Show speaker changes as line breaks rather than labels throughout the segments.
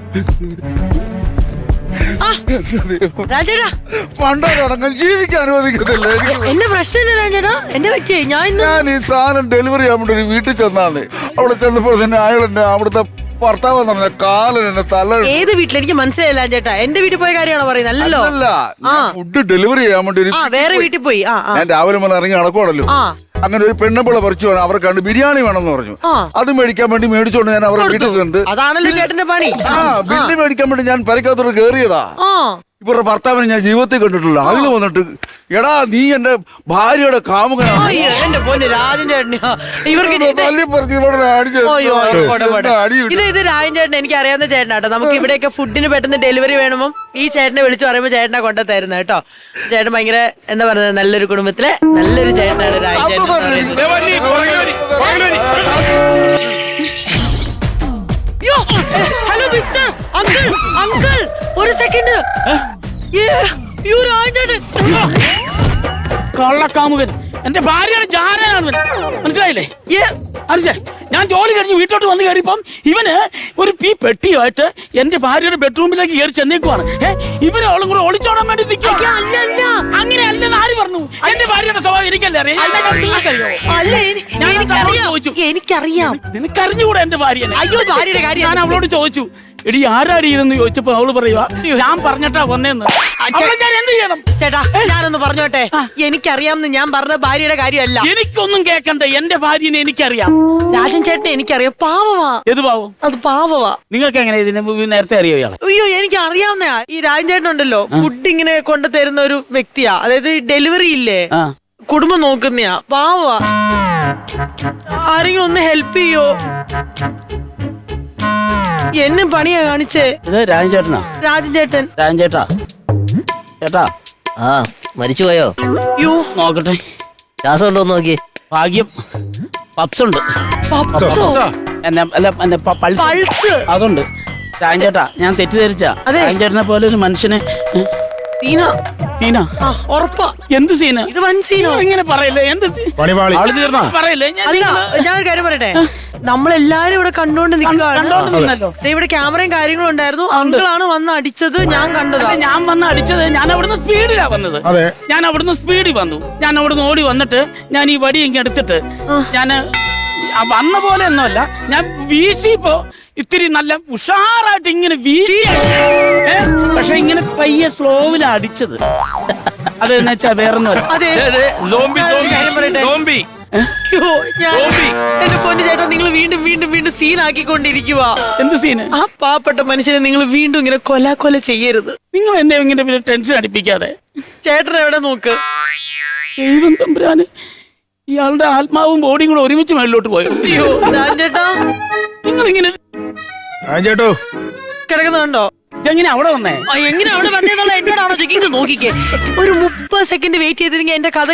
രാജേട്ടാ
പണ്ടൊരടങ്കം ജീവിക്കാൻ അനുവദിക്കത്തില്ല.
എന്റെ പ്രശ്നം രാജേട്ടാ, എന്റെ പറ്റിയേ ഞാൻ
ഈ സാധനം ഡെലിവറി ചെയ്യാൻ വേണ്ടി ഒരു വീട്ടിൽ ചെന്നാണ്. അവിടെ ചെന്നപ്പോൾ തന്നെ അയാൾ എന്നെ അവിടുത്തെ ഭർത്താവ് എന്ന് പറഞ്ഞ കാലൻ എന്നെ തല.
ഏത് വീട്ടിൽ എനിക്ക് മനസ്സിലായില്ല ചേട്ടാ. എന്റെ വീട്ടിൽ പോയ കാര്യമാണോ പറയുന്നത്? അല്ലല്ലോ.
ഫുഡ് ഡെലിവറി ചെയ്യാൻ വേണ്ടി
വേറെ വീട്ടിൽ പോയി.
ഞാൻ രാവിലെ മുതൽ ഇറങ്ങി നടക്കുവാണല്ലോ. അങ്ങനെ ഒരു പെണ്ണുപിള്ള പറിച്ചു വേണം, അവർക്ക് കണ്ട് ബിരിയാണി വേണമെന്ന് പറഞ്ഞു. അത് മേടിക്കാൻ വേണ്ടി മേടിച്ചോണ്ട് ഞാൻ അവരുടെ വീട്ടിൽ നിന്ന്
അതാണല്ലോ ചേട്ടന്റെ പണി.
ബില്ല് മേടിക്കാൻ വേണ്ടി ഞാൻ പരിക്കകത്തോട് കേറിയതാ. ഇവരുടെ ഭർത്താവിനെ ഞാൻ ജീവിതത്തിൽ കണ്ടിട്ടില്ല. അതിന് വന്നിട്ട് എടാ നീ എന്റെ ഭാര്യയുടെ കാമുകനാണ്.
എന്റെ പൊന്ന് രാജൻ ചേട്ടൻ ഇവർക്ക് ഇത് രാജൻ ചേട്ടൻ എനിക്ക് അറിയാവുന്ന ചേട്ടനാട്ടോ. നമുക്ക് ഇവിടെയൊക്കെ ഫുഡിന് പെട്ടെന്ന് ഡെലിവറി വേണമോ ഈ ചേട്ടനെ വിളിച്ചു പറയുമ്പോ ചേട്ടനെ കൊണ്ടു തരുന്നത് കേട്ടോ. ചേട്ടൻ ഭയങ്കര എന്താ പറയുന്നത്, നല്ലൊരു കുടുംബത്തിലെ നല്ലൊരു ചേട്ടനാണ് രാജൻ ചേട്ടൻ. ഹലോ മിസ്റ്റർ അങ്കിൾ, അങ്കിൾ ഒരു സെക്കൻഡ്.
കള്ളക്കാമുകൻ എന്റെ ഭാര്യയുടെ ജാരനാണ്, മനസ്സിലായില്ലേ? മനസ്സിലായി. ഞാൻ ജോലി കഴിഞ്ഞ് വീട്ടോട്ട് വന്ന് കയറിയപ്പം ഇവന് ഒരു പെട്ടിയായിട്ട് എന്റെ ഭാര്യയുടെ ബെഡ്റൂമിലേക്ക് കയറി ചെന്നേക്കുവാണ്. ഇവന് അവളും കൂടെ ഒളിച്ചോടാൻ വേണ്ടി നിൽക്കുക. അങ്ങനെ അല്ലെന്ന് ആര് പറഞ്ഞു? എന്റെ ഭാര്യയുടെ സ്വഭാവം എനിക്കല്ലേ അറിയാം.
എനിക്കറിയാം.
നിനക്കറിഞ്ഞുകൂടെ എന്റെ ഭാര്യനെ?
അയ്യോ ഭാര്യയുടെ കാര്യം
ഞാൻ അവളോട് ചോദിച്ചു, എടി ആരാടി ഇതെന്ന് ചോദിച്ചപ്പോ അവള് പറയുവാ ഞാൻ പറഞ്ഞിട്ടാ വന്നേന്ന്. ഞാൻ എന്ത് ചെയ്യണം
ചേട്ടാ? ഞാനൊന്ന് പറഞ്ഞോട്ടെ, എനിക്കറിയാമെന്ന് ഞാൻ പറഞ്ഞ ഭാര്യയുടെ കാര്യമല്ല.
എനിക്കൊന്നും കേക്കണ്ട, എന്റെ ഭാര്യനെ എനിക്കറിയാം.
രാജൻ ചേട്ടനെ എനിക്കറിയാം. പാവവാ.
ഏത് പാവം?
അത് പാവവാ.
നിങ്ങൾക്ക് എങ്ങനെ ഇതിനെ നേരത്തെ അറിയോ ഇയാളെ?
അയ്യോ എനിക്ക് അറിയാവുന്ന ഈ രാജൻ ചേട്ടൻ ഉണ്ടല്ലോ, ഫുഡ് ഇങ്ങനെ കൊണ്ടു തരുന്ന ഒരു വ്യക്തിയാ. അതായത് ഡെലിവറി ഇല്ലേ, കുടുംബം നോക്കുന്നയാ. പാവവാ. ആരെങ്കിലും ഒന്ന് ഹെൽപ്പ് ചെയ്യോ? എന്നെ പണിയാ കാണിച്ചേ.
രാജൻ ചേട്ടനാ?
രാജൻ ചേട്ടൻ.
രാജൻ ചേട്ടാ, ചേട്ടാ
മരിച്ചുപോയോ?
യോ
നോക്കട്ടെ,
ശ്വാസം ഉണ്ടോ നോക്കി.
ഭാഗ്യം പപ്സുണ്ട്.
പൾസ്
അതുണ്ട്. രാജൻ ചേട്ടാ ഞാൻ തെറ്റിദ്ധരിച്ച. രാജൻ ചേട്ടനെ പോലെ ഒരു മനുഷ്യനെ.
സീന.
സീന?
ഉറപ്പാ.
എന്ത് സീന?
ഇത് വൻ സീനോ?
ഇങ്ങനെ പറയല്ലേ. എന്ത് പറയല്ലേ?
ഞാൻ ഒരു കാര്യം പറയട്ടെ, നമ്മളെല്ലാരും ഇവിടെ കണ്ടോണ്ട് നിൽക്കുകയാണ്. ഇവിടെ ക്യാമറയും കാര്യങ്ങളും ഉണ്ടായിരുന്നു. അങ്കിളാണ് വന്ന് അടിച്ചത്, ഞാൻ കണ്ടതാ.
ഞാൻ വന്ന് അടിച്ചത്, ഞാൻ അവിടുന്ന് സ്പീഡിലാ വന്നത്. ഞാൻ അവിടുന്ന് സ്പീഡിൽ വന്നു. ഞാൻ അവിടുന്ന് ഓടി വന്നിട്ട് ഞാൻ ഈ വടി ഇങ്ങനെ എടുത്തിട്ട് ഞാൻ വന്ന പോലെ ഒന്നുമല്ല, ഞാൻ വീശിപ്പോ ഇത്തിരി നല്ല ഉഷാറായിട്ട് ഇങ്ങനെ വീശി. പക്ഷെ ഇങ്ങനെ പയ്യെ സ്ലോവിലാ അടിച്ചത്. അതെന്ന് വെച്ചാ വേറൊന്നുമല്ല.
എന്റെ പൊന്നു ചേട്ടാ, നിങ്ങൾ വീണ്ടും വീണ്ടും വീണ്ടും സീനാക്കിക്കൊണ്ടിരിക്കുക.
എന്ത് സീന്?
ആ പാവപ്പെട്ട മനുഷ്യനെ നിങ്ങൾ വീണ്ടും ഇങ്ങനെ കൊല ചെയ്യരുത്.
നിങ്ങൾ എന്നെ ഇങ്ങനെ ടെൻഷൻ അടിപ്പിക്കാതെ.
ചേട്ടൻ എവിടെ നോക്ക്.
ദൈവം തമ്പുരാന്, ഇയാളുടെ ആത്മാവും ബോഡിയും കൂടെ ഒരുമിച്ച് മേളിലോട്ട് പോയോ?
അയ്യോ ചേട്ടാ,
നിങ്ങൾ ഇങ്ങനെ
കിടക്കുന്നുണ്ടോ?
ഇതെങ്ങനെ അവിടെ വന്നേ?
എങ്ങനെ അവിടെ വന്നേന്നുള്ള എന്നോടാണോ ചോദിക്കുന്നത്? നോക്കിക്കേ, ഒരു 30 സെക്കൻഡ് വെയിറ്റ് ചെയ്തിരുന്നെങ്കിൽ എന്റെ കഥ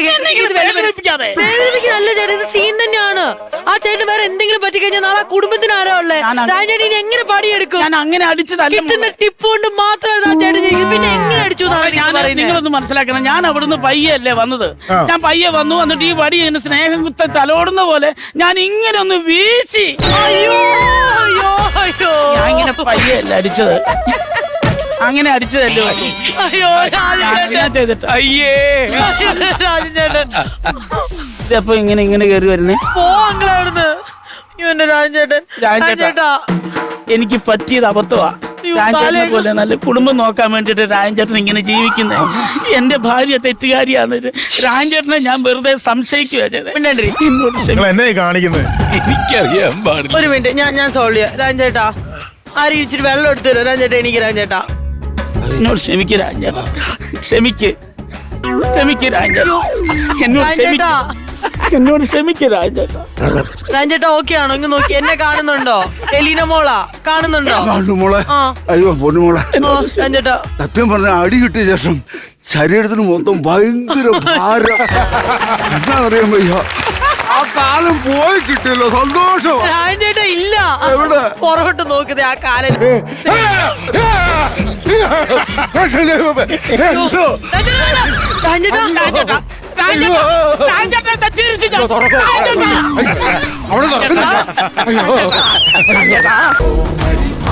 അല്ല ചേട്ടാ, ഇത് സീൻ തന്നെയാണ്. ആ ചേട്ടൻ വേറെ എന്തെങ്കിലും പറ്റിക്കഴിഞ്ഞാൽ നാളെ കുടുംബത്തിന് ആരാ ഉള്ളേ? രാജേട്ടൻ എങ്ങനെ പടിയെടുക്കും?
ഞാൻ അങ്ങനെ അടിച്ചതല്ല.
കിട്ടുന്ന ടിപ്പ് കൊണ്ട് മാത്രമേ ചേട്ടൻ ചെയ്യും. പിന്നെ എങ്ങനെ അടിച്ചു?
നിങ്ങളൊന്ന് മനസ്സിലാക്കണം, ഞാൻ അവിടുന്ന് പയ്യെ അല്ലേ വന്നത്. ഞാൻ പയ്യെ വന്നു, എന്നിട്ട് ഈ വടി എന്നെ സ്നേഹം കുത്ത തലോടുന്ന പോലെ ഞാൻ ഇങ്ങനെ ഒന്ന് വീശി.
അയ്യോ അയ്യോ അയ്യോ,
ഞാൻ ഇങ്ങനെ പയ്യെ അല്ല അടിച്ചത്, അങ്ങനെ അടിച്ചതല്ലോ.
അയ്യോ
ചെയ്തിട്ട്
അയ്യേ രാജൻ ചേട്ടൻ
ഇതപ്പോ ഇങ്ങനെ ഇങ്ങനെ കയറി വരുന്നേ.
പോവാടുന്ന് ഇവന്റെ രാജൻ ചേട്ടൻ.
രാജൻ ചേട്ടാ, എനിക്ക് പറ്റിയത് അബദ്ധമാ. രാജൻ പോലെ നല്ല കുടുംബം നോക്കാൻ വേണ്ടിട്ട് രാജൻ ചേട്ടൻ ഇങ്ങനെ ജീവിക്കുന്നത്. എന്റെ ഭാര്യ തെറ്റുകാരിയാന്ന് രാജൻ ചേട്ടനെ ഞാൻ വെറുതെ സംശയിക്കുക ചെയ്തത്.
ഒരു മിനിറ്റ്, ഞാൻ സോൾവ് ചെയ്യാം. രാജൻ ചേട്ടാ, ആരും ഇച്ചിരി വെള്ളം എടുത്തു തരുമോ? രാജൻ ചേട്ടാ, എനിക്ക് രാജൻ ചേട്ടാ
എന്നോട് ക്ഷമിക്ക് രാജൻ ചേട്ടാ, ക്ഷമിക്ക് രാജൻ ചേട്ടാ, എന്നോട് ക്ഷമിക്ക് രാജൻ ചേട്ടാ.
രാജൻ ചേട്ടാ ഓക്കെ ആണോ? ഇങ്ങ് നോക്കി, എന്നെ കാണുന്നുണ്ടോ? എലീന മോളാ കാണുന്നുണ്ടോ?
മോളെ. അയ്യോ പൊന്നുമോളെ.
രാജൻ ചേട്ടാ,
സത്യം പറഞ്ഞ അടി കിട്ടിയ ശേഷം ശരീരത്തിന് മൊത്തം ഭയങ്കര ഭാരം. എന്താ അറിയാൻ വയ്യ. ആ കാലം പോയി കിട്ടിയല്ലോ, സന്തോഷം.
രാജൻ ചേട്ടാ ഇല്ല,
എവിടെ?
പുറകോട്ട് നോക്കുന്നത് ആ കാലം.
അവിടെ